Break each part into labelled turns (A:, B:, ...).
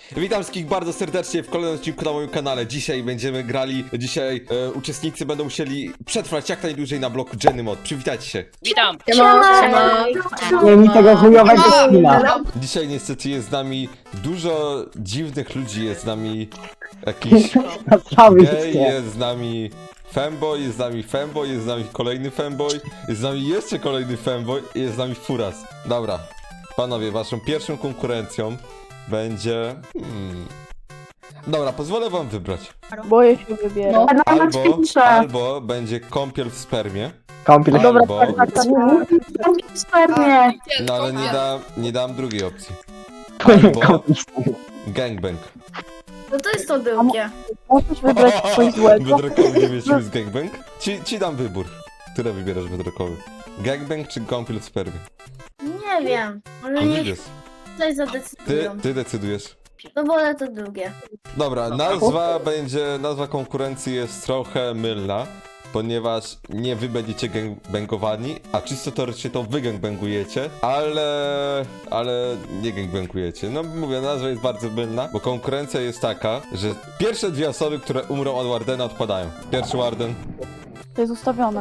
A: Witam wszystkich bardzo serdecznie w kolejnym odcinku na moim kanale. Dzisiaj będziemy grali, uczestnicy będą musieli przetrwać jak najdłużej na bloku Jenny Mod. Przywitajcie się.
B: Witam!
C: Nie mi tego chujowego skina.
A: Dzisiaj niestety jest z nami dużo dziwnych ludzi, jest z nami jakiś
C: Cały
A: gej, jest z nami femboy, jest z nami femboy, jest z nami kolejny femboy, jest z nami jeszcze kolejny femboy i jest z nami furas. Dobra, panowie, waszą pierwszą konkurencją będzie... Dobra, pozwolę wam wybrać.
D: Boję się wybierać.
A: Albo będzie kąpiel w spermie.
C: Kąpiel.
D: Dobra,
A: Albo...
D: Spermie.
A: No ale nie dam drugiej opcji. Albo gangbang.
E: No to jest to drugie.
D: Możesz wybrać coś złego.
A: Wydrokowy nie wiesz, jest gangbang? Ci dam wybór. Które wybierasz wydrokowy? Gangbang czy kąpiel w spermie?
E: Nie wiem. Może
A: No
E: niech
A: wybierz.
E: tutaj zadecydują.
A: Ty decydujesz.
E: No wolę to drugie.
A: Dobra, nazwa konkurencji jest trochę mylna, ponieważ nie wy będziecie gangbangowani, a czysto teoretycznie to wy gangbangujecie, ale nie gangbangujecie. No mówię, nazwa jest bardzo mylna, bo konkurencja jest taka, że pierwsze dwie osoby, które umrą od Wardena, odpadają. Pierwszy Warden.
D: To jest ustawione.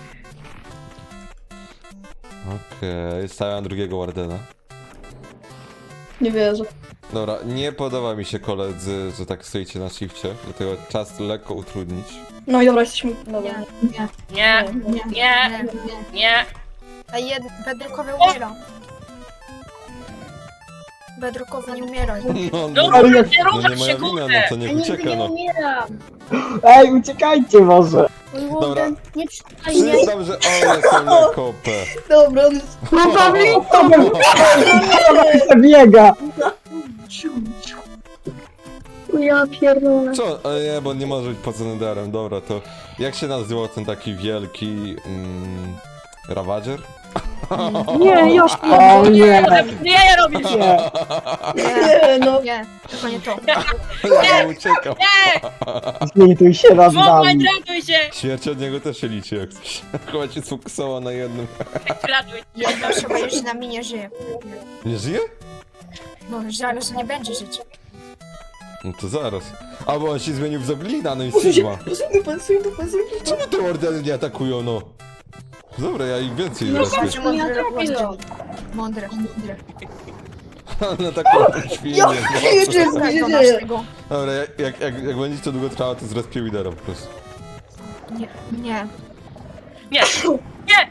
A: Okej, stawiam drugiego Wardena.
F: Nie wierzę.
A: Dobra, nie podoba mi się koledzy, że tak stoicie na shifcie, dlatego czas lekko utrudnić.
F: No i dobra, jesteśmy... Dobra.
B: Nie, nie, nie.
E: A Bedrukowy umiera. Bedrukowy nie umiera.
A: No,
B: Dobra, nie
A: no
B: ruszaj
A: nie
B: się,
A: moja wina, no
B: kurde!
A: to nie
E: Ja nigdy
A: ucieka,
E: nie
A: no.
E: umieram.
C: Ej, uciekajcie może.
E: Mój
A: Dobra.
E: Warden nie przyjmie mnie.
A: Przyznam, że one są jako OP.
F: Dobra, on jest...
C: Biega.
E: Ja pierdolę.
A: Co? Nie, bo nie może być poza Netherem. Dobra, to jak się nazywał ten taki wielki... Ravager?
D: Nie, już
C: O nie.
B: Nie, robisz!
C: Nie.
F: Nie, no.
E: Nie, tylko nie to.
A: Ja uciekał.
C: Zlituj się raz
B: Wołaj,
C: nami.
B: ratuj się!
A: Śmierć od niego też się liczy jak coś. Chyba się sfokusował na jednym.
B: Ratuj.
E: Jedna osoba już z nami nie żyje.
A: Nie żyje?
E: No, zaraz nie będzie żyć.
A: No to zaraz. Albo on się zmienił w Zoglina, no i Sigma. Czemu te ordeny nie atakują, no? Dobra, ja ich więcej rozpię.
E: Znaczy mądry Warden. Mądry.
A: Na taką świnię.
F: Co się dzieje?
A: Dobra, jak będzie to długo trwało, to zrespię Widera po prostu.
E: Nie, nie.
B: Nie, nie!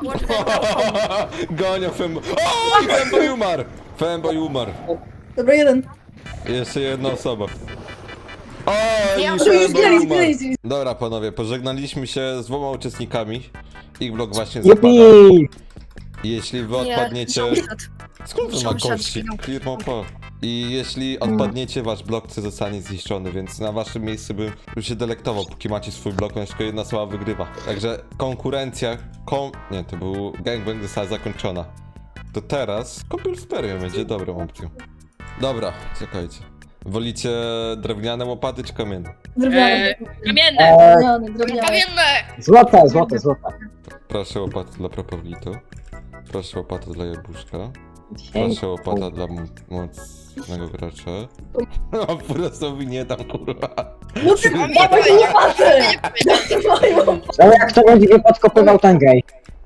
A: Gonia Femboy. O! Femboy umarł! Femboy umarł.
F: Dobra, jeden.
A: Jeszcze jedna osoba. O!
E: Ja
A: I
E: już
A: Femboy umarł.
F: zbieraj.
A: Dobra, panowie, pożegnaliśmy się z dwoma uczestnikami. Ich blok właśnie zapada.
C: Jupi.
A: Jeśli wy odpadniecie... Skąd wy ma
E: Sąsiad
A: kości?
E: zginął.
A: Firmo po. I jeśli odpadniecie, wasz blok zostanie zniszczony, więc na waszym miejscu bym już się delektował, póki macie swój blok, ponieważ tylko jedna osoba wygrywa. Także konkurencja, nie, to był gangbang została zakończona. To teraz kąpiel w spermie będzie dobrą opcją. Dobra, czekajcie. Wolicie drewniane łopaty czy kamienne?
F: Drewniany.
B: Kamienne!
F: Drewniany.
B: Kamienne!
C: Złote.
A: Proszę łopaty dla Propoblito. Proszę łopatę dla Jabłuszka. Proszę łopata dla mocnego gracza. A Furasowi nie dam, kurwa.
F: No ty dawaj łopatę!
C: Ale jak to będzie nie podkopywał ten gej?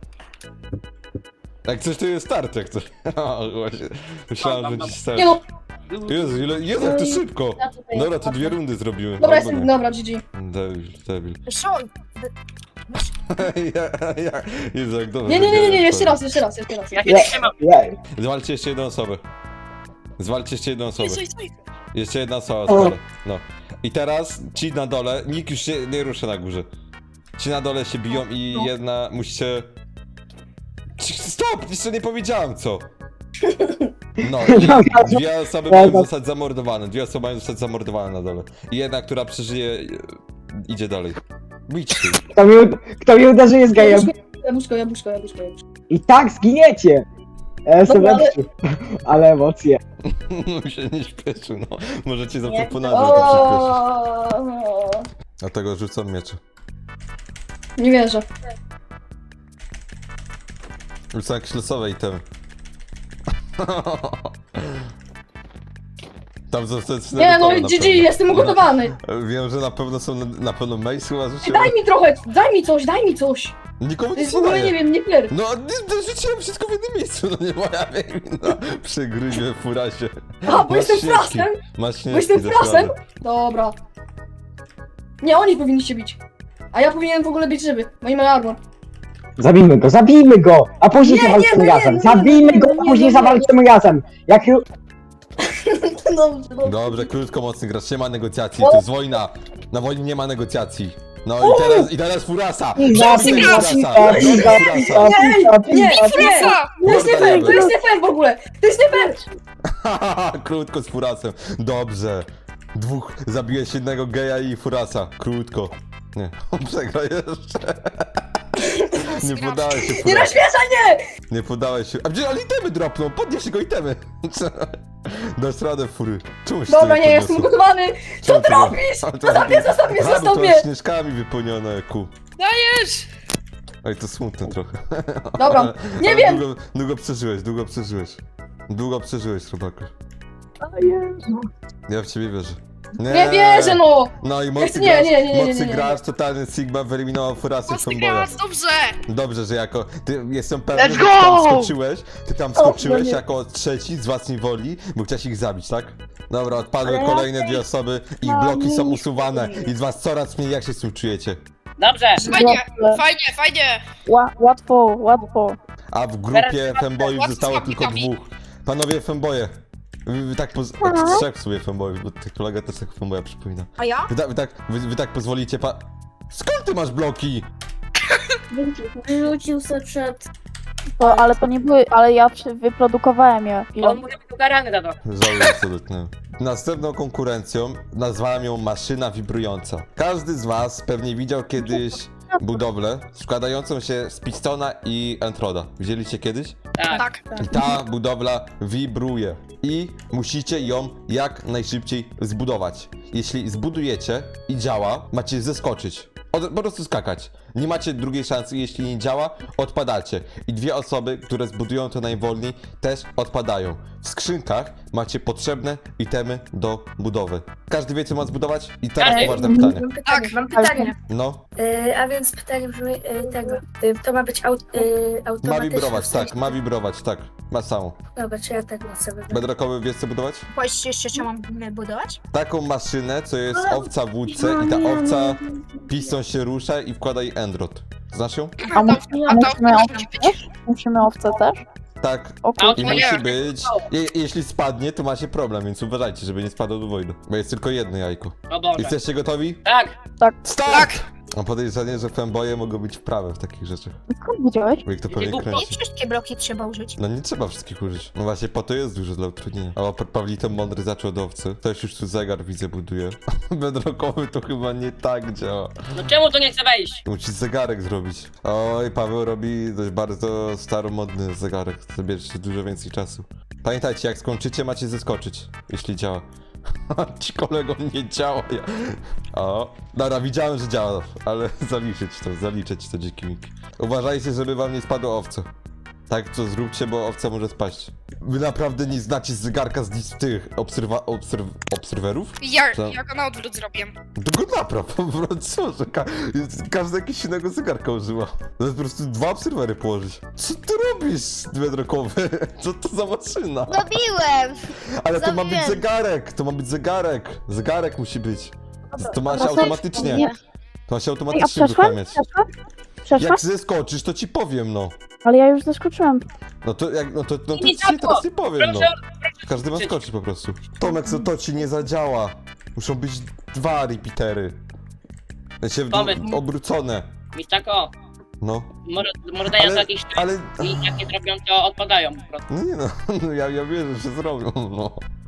A: Jak coś to jest start, jak coś. O, właśnie. Myślałem, że dziś start.
F: Nie no,
A: Jezu, Jezu, jak to szybko. Dobra, to dwie rundy zrobiłem.
F: dobra,
A: Albo
F: jestem,
A: nie.
F: dobra, GG.
A: Debil.
E: Szol!
A: Jezu, jak dobrze.
F: Nie, jeszcze raz.
B: Ja się trzymam.
C: Jej.
A: Zwalcie jeszcze jedną osobę. Zwalcie jeszcze jedną osobę.
B: Stój.
A: Jeszcze jedna osoba z dole. No. I teraz ci na dole, nikt już się nie rusza na górze. Ci na dole się biją i jedna musicie... Stop! Jeszcze nie powiedziałem co! No i dwie osoby mają zostać zamordowane. Dwie osoby mają zostać zamordowane na dole. I jedna, która przeżyje, idzie dalej. Bić się.
C: Kto mnie uderzy jest gejem.
F: Jabłuszko.
C: I tak zginiecie. Jestem
F: Dobra, ale-
C: lepszy. Ale emocje.
A: No się nie śpieszy, no. Możecie zaproponować, żeby to przyspieszyć.
F: O,
A: Dlatego rzucam miecze.
F: nie wierzę.
A: Rzucam jakieś losowe itemy. Tam są te
F: Nie, no
A: gotowe
F: i
A: na
F: GG,
A: pewno.
F: jestem ugotowany.
A: Wiem, że na pewno są, na pewno Mace chyba rzuciłem.
F: Daj mi trochę, daj mi coś.
A: Nikomu
F: To
A: nic
F: jest w
A: nie
F: ogóle,
A: daje.
F: nie wiem, nie fair.
A: No, rzuciłem wszystko w jednym miejscu, no nie moja wina. Przegryzie furasie.
F: A, bo
A: Masz
F: jestem
A: śnieżki.
F: frasem?
A: Masz śnieżki,
F: Bo jestem
A: dasz
F: frasem?
A: radę.
F: Dobra. Nie, oni powinniście bić. A ja powinienem w ogóle bić ryby, bo nie mają armor.
C: Zabijmy go, a później
F: Nie,
C: zawalczymy
F: nie, no nie,
C: razem.
F: no nie,
C: Zabijmy
F: no
C: go,
F: nie,
C: a później
F: no nie.
C: zawalczymy razem. Jak już...
F: Dobrze,
A: Dobrze, krótko, mocny gracz, nie ma negocjacji, to jest wojna. Na wojnie nie ma negocjacji. No i teraz furasa!
C: Zabij go,
A: Furasa!
F: Nie, to jest nie fair, to jest nie fair w ogóle. To jest nie fair.
A: Krótko z furasem. Dobrze. Dwóch, zabiłeś jednego geja i furasa. Krótko. Nie, on przegra jeszcze. Nie podałeś się,
F: Nie
A: furasa.
F: rozśmieszaj mnie.
A: Nie podałeś się. A gdzie, ale itemy dropną, podnieś go itemy. Dasz radę, fury. Czemu się
F: Dobra,
A: to
F: nie, jestem
A: podniosło?
F: ugotowany. Co ty
A: Czemu to-
F: robisz?
A: Ale to-
F: Zostaw mnie,
A: A, bo
F: zostaw
A: to
F: mnie.
A: jest śnieżkami wypełnione, ku.
B: Dajesz!
A: Oj, to smutne trochę.
F: Dobra, nie
A: Ale
F: wiem.
A: Długo przeżyłeś, Długo przeżyłeś, Robaku.
D: Jezu.
A: Ja w ciebie wierzę.
F: Nie wierzę, no.
A: No i mocny
F: Nie,
A: gracz,
F: nie, nie, nie,
A: mocny
F: nie.
A: gracz, totalny Sigma wyeliminował furasy
B: Mocny
A: fanboya.
B: gracz, dobrze!
A: Dobrze, że jako, jestem pewny,
B: Let's
A: że ty tam
B: go!
A: skoczyłeś,
D: nie.
A: jako trzeci z własnej woli, bo chciałeś ich zabić, tak? Dobra, odpadły
D: Ale
A: kolejne
D: ja
A: dwie osoby, ich
D: mam
A: bloki są
D: nic.
A: usuwane i z was coraz mniej, jak się z tym czujecie?
B: Dobrze!
D: Fajnie,
B: fajnie!
D: Łatwo.
A: A w grupie
B: Teraz
A: femboyów
B: łatwo
A: zostało
B: z
A: tylko
B: łapkami.
A: dwóch. Panowie femboje. Wy tak trzech w sumie femboyów, bo ty kolega też tak femboya przypomina.
E: A ja?
A: Wy tak pozwolicie Skąd ty masz bloki?
G: Wyrzucił se przed...
D: Ale to nie były, ale ja wyprodukowałem je.
B: On mówi ukarany za to.
A: Żałuję, co dotknąłem. Następną konkurencją nazwałem ją maszyna wibrująca. Każdy z was pewnie widział kiedyś budowlę składającą się z pistona i entroda. Widzieliście kiedyś?
B: Tak.
A: I ta budowla wibruje. I musicie ją jak najszybciej zbudować. Jeśli zbudujecie i działa, macie zeskoczyć. Po prostu skakać. Nie macie drugiej szansy, jeśli nie działa, odpadacie. I dwie osoby, które zbudują to najwolniej, też odpadają. W skrzynkach macie potrzebne itemy do budowy. Każdy wie, co ma zbudować? I teraz
B: Każdy.
A: poważne pytanie.
G: Mam pytanie.
A: No,
G: A więc pytanie brzmi tego. To ma być
A: ma
G: automatyczne.
A: wibrować,
G: w sensie-
A: tak, ma wibrować, tak. Ma samą.
G: Dobra, czy ja tak chcę wybrać.
A: Bedrockowy, wiesz co budować?
E: Powiedzcie jeszcze, co mam budować?
A: Taką maszynę, co jest owca w łódce i ta owca piston się rusza i wkłada jej endrot. Znasz ją?
D: A musimy owce też? Musimy owce też?
A: Tak.
D: O
A: I
D: kurde.
A: musi być. Jeśli spadnie, to macie problem, więc uważajcie, żeby nie spadło do wojny. Bo jest tylko jedno jajko.
B: O Boże.
A: Jesteście gotowi?
B: Tak!
A: Start! Mam podejrzenie, że fanboye mogą być wprawe w takich rzeczach.
D: Skąd widziałeś?
A: Bo ich to
B: Nie
A: pewnie
B: głupi.
E: Nie
A: kręci.
E: wszystkie bloki trzeba użyć.
A: No nie trzeba wszystkich użyć. No właśnie po to jest dużo dla utrudnienia. O, Pawlito mądry zaczął od owcy. Ktoś już tu zegar widzę buduje. Bedrockowy to chyba nie tak działa.
B: No czemu to nie chce wejść?
A: Musisz zegarek zrobić. Oj, Paweł robi dość bardzo staromodny zegarek. Zabierzecie dużo więcej czasu. Pamiętajcie, jak skończycie, macie zeskoczyć, jeśli działa. Ci kolego nie działa. O, dobra, widziałem, że działa, ale zaliczyć to dziki miki. Uważajcie, żeby wam nie spadło owce. Tak, co zróbcie, bo owca może spaść. Wy naprawdę nie znacie zegarka z tych obserwerów? Co?
H: Ja go na odwrót zrobię.
A: To go napraw, po prostu, że każdy jakiś innego zegarka używa. To jest po prostu dwa obserwery położyć. Co ty robisz, Bedrockowy? Co to za maszyna?
G: Zrobiłem!
A: Ale to ma być
G: zrobiłem.
A: zegarek, to ma być zegarek. Zegarek musi być. To ma się
D: Dobra,
A: automatycznie.
D: nie.
A: To ma się
D: Ej, a
A: automatycznie
D: przeszłem?
A: uruchamiać.
D: Przeszłem?
A: Jak zeskoczysz, to ci powiem, no.
D: Ale ja już zaskoczyłem.
A: No to
B: Nie
A: ci
B: działa.
A: teraz nie powiem, no.
B: Proszę,
A: Każdy ma skoczyć po prostu. Tomek, co to ci nie zadziała. Muszą być dwa repeatery. Się
B: Pomysł.
A: obrócone.
B: Mistako,
A: No.
B: może dają
A: Ale-
B: to jakiś tryb
A: Ale...
B: i jak nie trafią, to odpadają po prostu.
A: No nie no, no ja wierzę, że zrobią, no.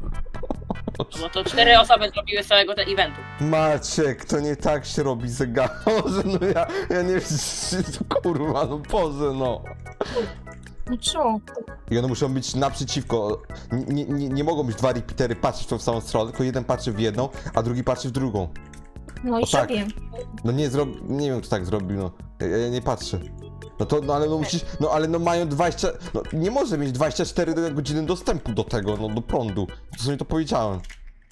B: Bo to 4 osoby zrobiły z całego tego eventu.
A: Maciek, to nie tak się robi zegar. Boże, no ja nie wiem, kurwa, no Boże, no.
E: No co?
A: I one muszą być naprzeciwko. Nie mogą być dwa repeatery patrzeć w tą samą stronę, tylko jeden patrzy w jedną, a drugi patrzy w drugą.
E: No i
A: O tak.
E: zrobiłem.
A: No nie wiem kto tak zrobił, no. Ja nie patrzę. No to, no ale no musisz, no ale no mają 20, no nie może mieć 24 godziny dostępu do tego, no do prądu. To sobie to powiedziałem.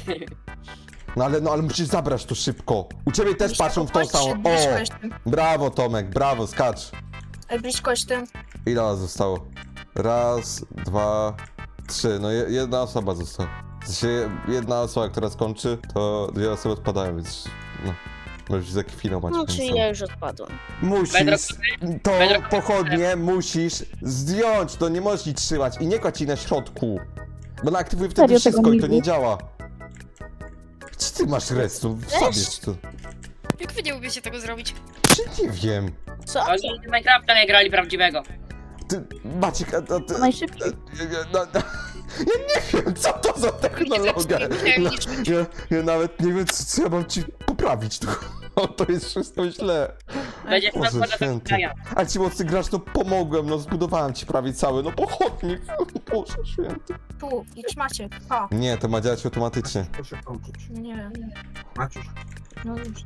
A: No ale musisz zabrać to szybko. U ciebie też patrzą w tą samą.
E: Blisko
A: O!
E: jestem.
A: Brawo Tomek, brawo, skacz.
E: Blisko jestem.
A: Ile nas zostało? Raz, dwa, trzy. No jedna osoba została. W sensie jedna osoba, która skończy, to dwie osoby odpadają, więc no. Możesz za chwilę mać.
H: No, czyli ja już odpadłem.
A: Musisz, to pochodnie musisz zdjąć, to nie możesz jej trzymać i nie kładź jej na środku. Bo ona aktywuje wtedy
D: Serio,
A: wszystko
D: tego
A: i
D: nie
A: to nie działa. Gdzie ty masz redstone? Zabierz to.
I: Jak wy nie umiecie tego zrobić?
A: Czy nie wiem.
H: Co?
B: Oni w Minecrafta nie grali prawdziwego.
A: Ty, Maciek, a ty...
D: To najszybciej.
A: Ja nie wiem, co to za technologia. Ja nawet nie wiem, co ja mam ci poprawić. To jest wszystko źle.
B: Będzie
A: Boże
B: na
A: święty. A ci mocny gracz, to pomogłem, no zbudowałem ci prawie cały, no pochodnik. Boże święty.
E: Tu, idź Maciek. O,
A: Nie, to ma działać automatycznie.
J: Proszę kończyć.
E: nie wiem.
J: Maciuś.
E: No już.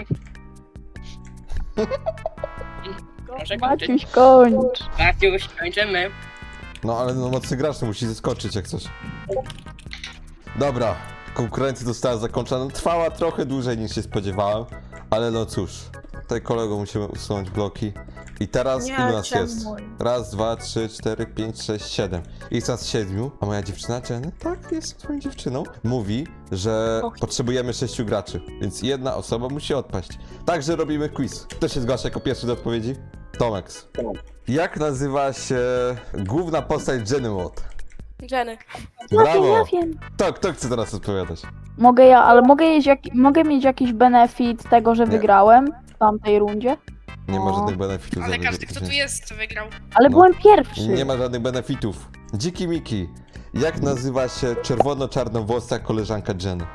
B: Proszę kończyć.
D: Maciuś, kończ.
B: Maciuś, kończymy.
A: No ale no mocny gracz to musi zeskoczyć jak coś. Dobra, konkurencja została zakończona. Trwała trochę dłużej niż się spodziewałem, ale no cóż. Tutaj kolego musimy usunąć bloki. I teraz
E: Nie,
A: ilu nas
E: czemu?
A: jest? Raz, dwa, trzy, cztery, pięć, sześć, siedem. Jest nas 7, a moja dziewczyna Jenny, tak, jest twoją dziewczyną, mówi, że potrzebujemy 6 graczy, więc jedna osoba musi odpaść. Także robimy quiz. Kto się zgłasza jako pierwszy do odpowiedzi? Tomex. Jak nazywa się główna postać Jenny Watt?
H: Jenny.
A: Brawo!
D: Ja wiem.
A: Kto chce teraz odpowiadać?
D: Mogę ja, ale mogę mieć jakiś benefit tego, że
A: Nie.
D: wygrałem w tamtej rundzie?
A: Nie ma
D: O.
A: żadnych benefitów.
I: Ale
A: za
I: każdy, kto tu
A: wygranie.
I: jest, to wygrał.
D: Ale
A: No.
D: byłem pierwszy.
A: Nie ma żadnych benefitów. Dziki Miki. Jak nazywa się czerwono-czarnowłosa koleżanka Jenny?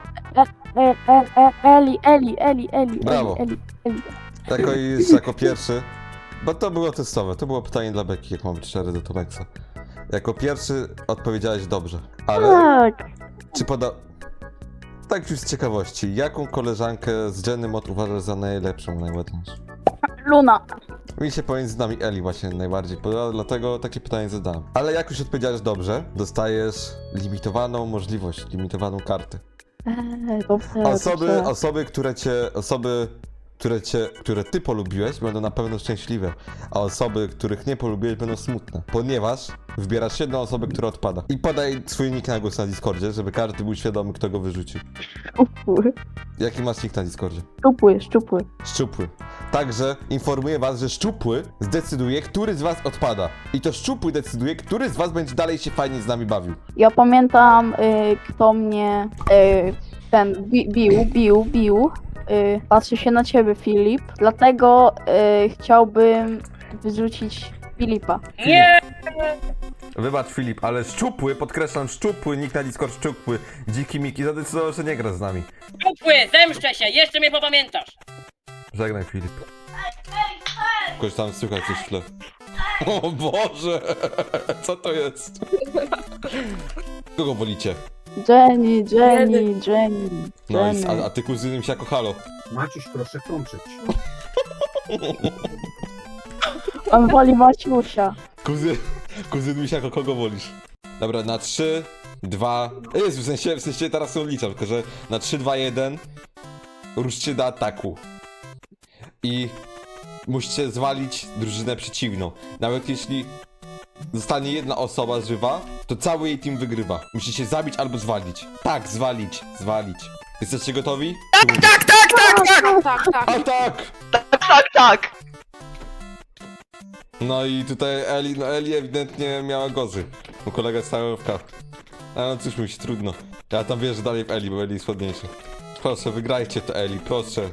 D: Eli.
A: Brawo. Jako jest jako pierwszy. Bo to było testowe, to było pytanie dla Beki, jak mam być szczery do Tomexa. Jako pierwszy odpowiedziałeś dobrze, ale
D: Tak.
A: czy tak już z ciekawości, jaką koleżankę z Jenny Mod uważasz za najlepszą, najładniejszą?
D: Luna.
A: Mi się pomiędzy nami Eli właśnie najbardziej podoba, dlatego takie pytanie zadałem. Ale jak już odpowiedziałeś dobrze, dostajesz limitowaną możliwość, limitowaną kartę.
D: Dobrze.
A: Osoby, które ty polubiłeś, będą na pewno szczęśliwe, a osoby, których nie polubiłeś, będą smutne, ponieważ wybierasz jedną osobę, która odpada. I podaj swój nick na głos na Discordzie, żeby każdy był świadomy, kto go wyrzucił.
D: Szczupły.
A: Jaki masz nick na Discordzie?
D: Szczupły.
A: Szczupły. Także informuję was, że Szczupły zdecyduje, który z was odpada. I to Szczupły decyduje, który z was będzie dalej się fajnie z nami bawił.
D: Ja pamiętam, kto mnie bił. Patrzy się na ciebie, Filip. Dlatego chciałbym wyrzucić Filipa.
B: Nie!
A: Wybacz Filip, ale Szczupły, podkreślam Szczupły, nick na Discord Szczupły, Dziki Miki zadecydował, że nie gra z nami.
B: Upły, zemszczę się, jeszcze mnie popamiętasz.
A: Żegnaj Filip. Kogoś tam słychać coś w tle. O Boże! Co to jest? Kogo wolicie?
D: Jenny.
A: No i a ty kuzynem się jako halo.
J: Maciuś, proszę kończyć.
D: On woli Maciusia.
A: Kuzyn mi jako kogo wolisz? Dobra, na 3, 2... Jezu, w sensie teraz się odliczam, tylko że na 3, 2, 1 ruszcie do ataku. I musicie zwalić drużynę przeciwną. Nawet jeśli zostanie jedna osoba żywa, to cały jej team wygrywa. Musicie zabić albo zwalić. Tak, zwalić. Jesteście gotowi?
H: Tak.
A: No i tutaj Eli ewidentnie miała gozy. Bo kolega stał w kap. No cóż, mi się trudno. Ja tam wierzę dalej w Eli, bo Eli jest ładniejszy. Proszę, wygrajcie to Eli, proszę.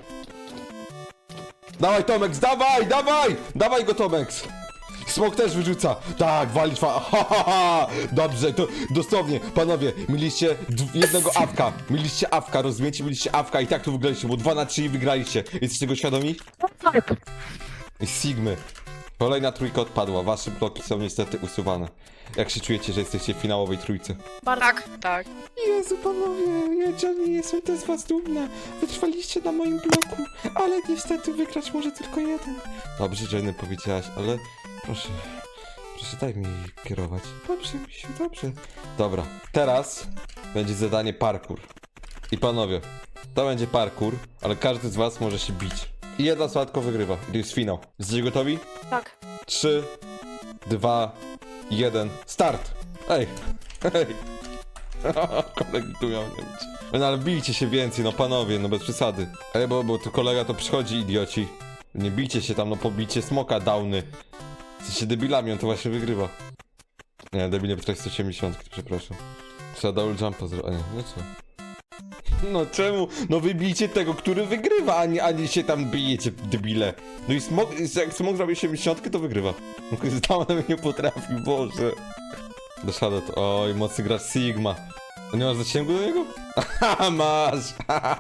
A: Dawaj Tomex, dawaj! Dawaj go Tomex! Smok też wyrzuca. Tak, walić Dobrze, to dosłownie, panowie, mieliście jednego awka. Mieliście awka, rozumiecie? Mieliście awka i tak to wygraliście, bo 2 na 3 i wygraliście. Jesteście tego świadomi?
D: Tak.
A: I Sigmy. Kolejna trójka odpadła, wasze bloki są niestety usuwane. Jak się czujecie, że jesteście w finałowej trójce?
I: Tak.
A: Jezu panowie, ja Johnny jestem też z was dumna. Wytrwaliście na moim bloku, ale niestety wygrać może tylko jeden. Dobrze, Jenny, powiedziałaś, ale proszę daj mi kierować. Dobrze, misiu, dobrze. Dobra, teraz będzie zadanie parkour. I panowie, to będzie parkour, ale każdy z was może się bić. I jedna osoba tylko wygrywa. I to jest finał. Jesteście gotowi?
H: Tak.
A: 3, 2, 1, start! Ej! Ej! Kolegi tu miał nie być. No ale bijcie się więcej, no panowie, no bez przesady. Ej, bo tu kolega to przychodzi, idioci. Nie bijcie się tam, no pobicie smoka downy. Jesteście debilami, on to właśnie wygrywa. Nie, debile potrafi 180, przepraszam. Trzeba double jumpa zrobić, a nie, no co? No czemu? No wybijcie tego, który wygrywa, ani się tam bijecie, debile. No i smok, jak smok zrobi 70, to wygrywa. Downy nie potrafił, Boże. Doszedł to, oj, mocny gracz Sigma. A nie masz zasięgu do niego? Haha, masz!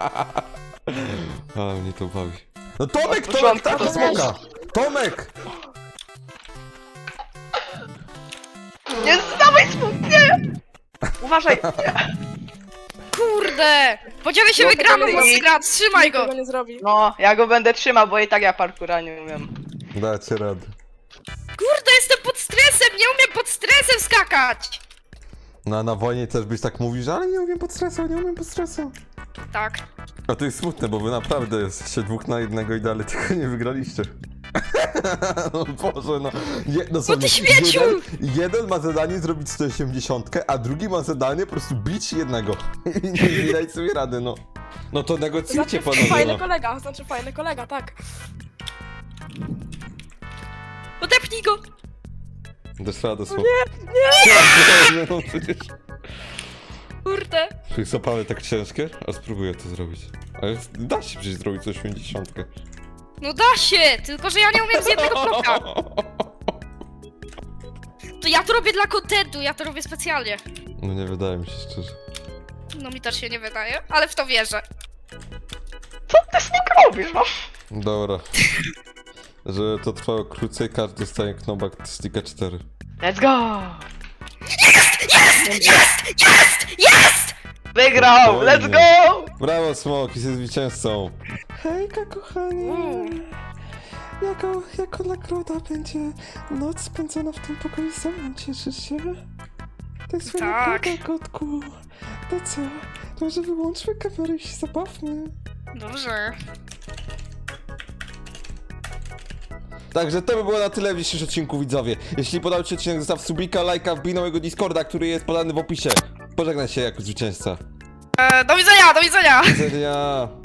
A: A mnie to bawi. No Tomek, tak do smoka! Tomek!
H: Nie, dawaj smok, nie! Uważaj!
I: Kurde! Podzielę się, wygramy, mocny gracz, trzymaj go!
H: nie zrobi. No, ja go będę trzymał, bo i tak ja parkura nie umiem.
A: Dacie radę.
I: Kurde, jestem pod stresem, nie umiem pod stresem skakać!
A: No na wojnie też byś tak mówił, że ale nie umiem pod stresem.
I: Tak.
A: A to jest smutne, bo wy naprawdę jesteście 2 na 1 i dalej tylko nie wygraliście. No Boże, no.
I: No ty śmieciu!
A: Jeden ma zadanie zrobić 180, a drugi ma zadanie po prostu bić jednego. I nie dać sobie rady, no. No to negocjujcie, panowie,
H: fajny
A: no.
H: kolega, znaczy fajny kolega, tak.
I: Odepnij go!
A: Dasz radę, słowo. Nie! No przecież...
I: Kurde!
A: Czy są pale tak ciężkie? A spróbuję to zrobić. Ale da się przecież zrobić 180.
I: No da się, tylko że ja nie umiem z jednego bloka. To ja to robię dla kontentu, ja to robię specjalnie.
A: No nie wydaje mi się szczerze.
I: No mi też się nie wydaje, ale w to wierzę.
H: Co ty smok robisz, no?
A: Dobra. Żeby to trwało krócej, każdy dostaje knockback sticka 4.
H: Let's go!
I: Jest!
H: Wygrał!
A: Spokojnie.
H: Let's go!
A: Brawo, Smok, jesteś zwycięzcą. Hejka, kochanie. Jako nagroda będzie noc spędzona w tym pokoju ze mną, cieszysz się? To jest
I: Tak.
A: nagroda, kotku. To co? To może wyłączmy kamerę i się zabawmy.
I: Dobrze.
A: Także to by było na tyle w dzisiejszym odcinku, widzowie. Jeśli podobał ci się odcinek, zostaw subika, lajka, wbij na mojego Discorda, który jest podany w opisie. Pożegnaj się jako zwycięzca.
I: Do widzenia, do widzenia!
A: Do widzenia.